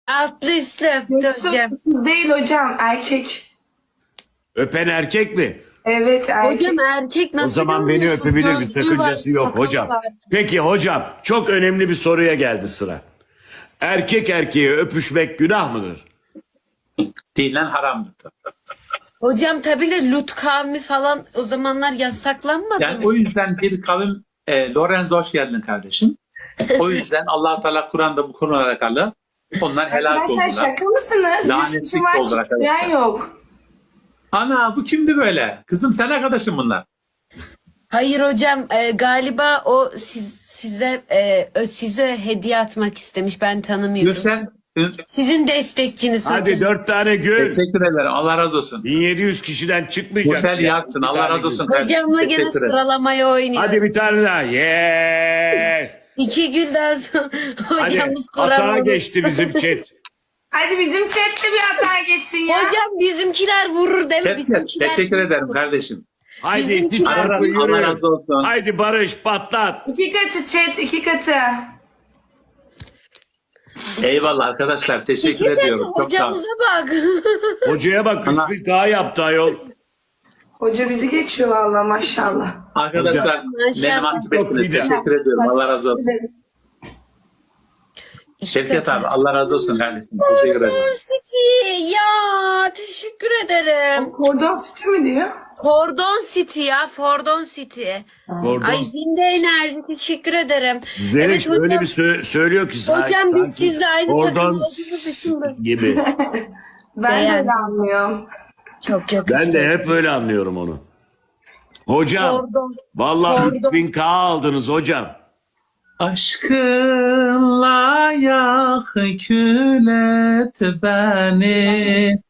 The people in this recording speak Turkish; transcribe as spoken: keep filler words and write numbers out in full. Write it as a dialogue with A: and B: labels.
A: Altlı üstlü öptü
B: Yoksa
A: hocam.
B: kız değil hocam, erkek.
C: Öpen erkek mi?
B: Evet, erkek.
A: Hocam erkek nasıl
C: O zaman beni
A: görmüyorsun?
C: öpebilir, bir
A: Gözlüğü
C: sakıncası
A: var,
C: yok
A: sakalı
C: hocam.
A: var.
C: Peki hocam, çok önemli bir soruya geldi sıra. Erkek erkeğe öpüşmek günah mıdır?
D: Dinen haramdır.
A: Hocam tabii de Lut kavmi falan o zamanlar yasaklanmadı
D: Yani
A: mı?
D: o yüzden bir kavim e, Lorenzo hoş geldin kardeşim. O yüzden Allah Teala Kur'an'da bu konulara alakalı onlar helal
B: Arkadaşlar
D: oldular.
B: şaka mısınız? Yüz
D: Lanetlik
B: kişi var,
D: oldular
B: çiftleyen
D: arkadaşlar.
B: yok.
D: Ana bu kimdi böyle? Kızım sen arkadaşım bunlar.
A: Hayır hocam e, galiba o siz, size e, ö- size hediye atmak istemiş, ben tanımıyorum.
D: Gürsel
A: Sizin destekçiniz
C: Hadi
A: hocam.
C: dört tane gül.
D: teşekkür ederim. Allah razı olsun.
C: bin yedi yüz kişiden çıkmayacak.
D: Gürsel
C: ya.
D: yaksın.
C: Bir
D: Allah
C: tane
D: razı
C: gül.
D: olsun kardeşim.
A: Hocamla gene
D: Teşekkür ederim.
A: sıralamaya oynuyor.
C: Hadi bir tane daha. Yes.
A: İki gülden sonra
C: Hadi
A: hocamız
C: hatağa
A: kuramadı.
C: geçti bizim chat.
B: Hadi bizim chatte bir hata geçsin ya.
A: Hocam bizimkiler vurur değil mi?
D: Teşekkür,
A: Bizimkiler
D: teşekkür ederim
A: vurur.
D: kardeşim.
C: Haydi
A: Bizimkiler-
C: iki tarafı
D: Allah, Allah
C: yürüyün.
D: razı olsun.
C: Haydi Barış patlat.
B: İki katı chat, iki katı.
D: Eyvallah arkadaşlar. Teşekkür
A: İki de
D: ediyorum. Çok sağ olun.
A: hocamıza bak.
C: Hocaya bak
D: Ana-
C: üç bin K yaptı ayol.
B: Hoca bizi geçiyor valla, maşallah.
D: Arkadaşlar
A: Maşallah.
D: beni mahcup
C: Çok
D: ettiniz.
C: güzel.
D: Teşekkür ediyorum. Allah razı olsun.
A: İki
D: Şevket
A: katı.
D: abi Allah razı olsun kardeşim. Teşekkür ederim.
A: Cordon City ya teşekkür ederim.
B: Kordon City mi diyor?
A: Fordon City ya Fordon City.
C: Gordon.
A: Ay zinde enerji teşekkür ederim.
C: Zeliş
A: hocam,
C: öyle bir sö- söylüyor ki. sanki-
A: Hocam biz
C: sanki
A: sizle aynı
C: Gordon
A: takım olduğumuz için de-
C: gibi.
B: Ben de
A: Beğendim.
B: öyle anlıyorum.
A: Çok yakıştı.
C: Ben de hep öyle anlıyorum onu. Hocam
A: Fordon.
C: vallahi
A: Fordon.
C: üç bin K aldınız hocam.
D: Aşkınla yak kül et beni.